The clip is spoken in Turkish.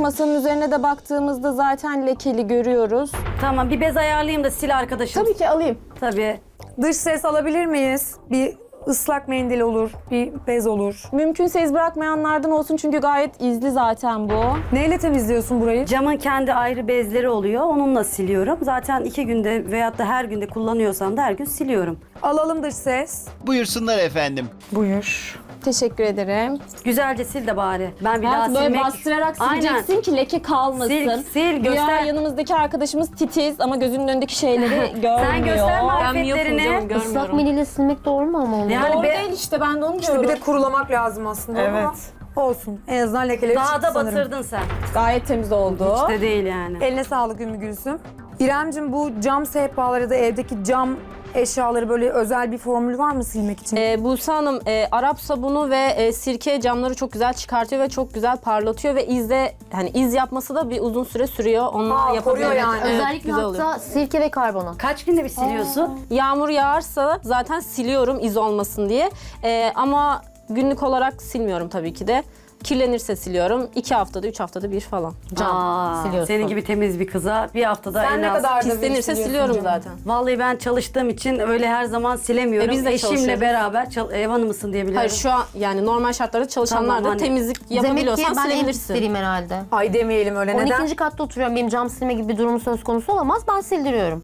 masanın üzerine de baktığımızda zaten lekeli görüyoruz. Tamam, bir bez ayarlayayım da sil arkadaşım. Tabii ki alayım. Tabii. Dış ses alabilir miyiz? Bir ıslak mendil olur, bir bez olur. Mümkünse iz bırakmayanlardan olsun çünkü gayet izli zaten bu. Neyle temizliyorsun burayı? Camın kendi ayrı bezleri oluyor. Onunla siliyorum. Zaten 2 günde veyahut da her günde kullanıyorsam da her gün siliyorum. Alalım dış ses. Buyursunlar efendim. Buyur. Teşekkür ederim. Güzelce sil de bari. Ben bir daha Hayatım böyle silmek... bastırarak Aynen. sileceksin ki leke kalmasın. Sil, Güya göster. yanımızdaki arkadaşımız titiz ama gözünün önündeki şeyleri görmüyor. Sen göster marifetlerini. Islak mendille silmek doğru mu ama onu? Yani Doğru be- değil işte ben de onu İşte diyorum. bir de kurulamak lazım aslında ama olsun. En azından lekeleri Daha çıktı da sanırım. batırdın sen. Gayet temiz oldu. Hiç de değil yani. Eline sağlık Ümmü Gülsüm. İremcim, bu cam sehpaları ya da evdeki cam eşyaları böyle özel bir formül var mı silmek için? Buse Hanım, Arap sabunu ve sirke camları çok güzel çıkartıyor ve çok güzel parlatıyor ve hani iz yapması da bir uzun süre sürüyor. Onunla koruyor yapabiliyor. yani. Evet, Özellikle güzel oluyor. hatta sirke ve karbonat. Kaç günde bir siliyorsun? Yağmur yağarsa zaten siliyorum iz olmasın diye. Ama günlük olarak silmiyorum tabii ki de. Kirlenirse siliyorum. 2 haftada, 3 haftada bir falan. Cam siliyorsun. Senin gibi temiz bir kıza bir haftada Sen en ne az. kadar da Pislenirse siliyorsun siliyorum camı? zaten. Vallahi ben çalıştığım için öyle her zaman silemiyorum. Biz de Eşimle çalışıyoruz. beraber ev hanımısın diyebilirim. Hayır şu an yani normal şartlarda çalışanlar Tamam, da hani- temizlik Demek ki yapabiliyorsan ben en silebilirsin. pisleriyim herhalde. Ay demeyelim öyle. Neden? 12. katta oturuyorum. Benim cam silme gibi bir durum söz konusu olamaz. Ben sildiriyorum.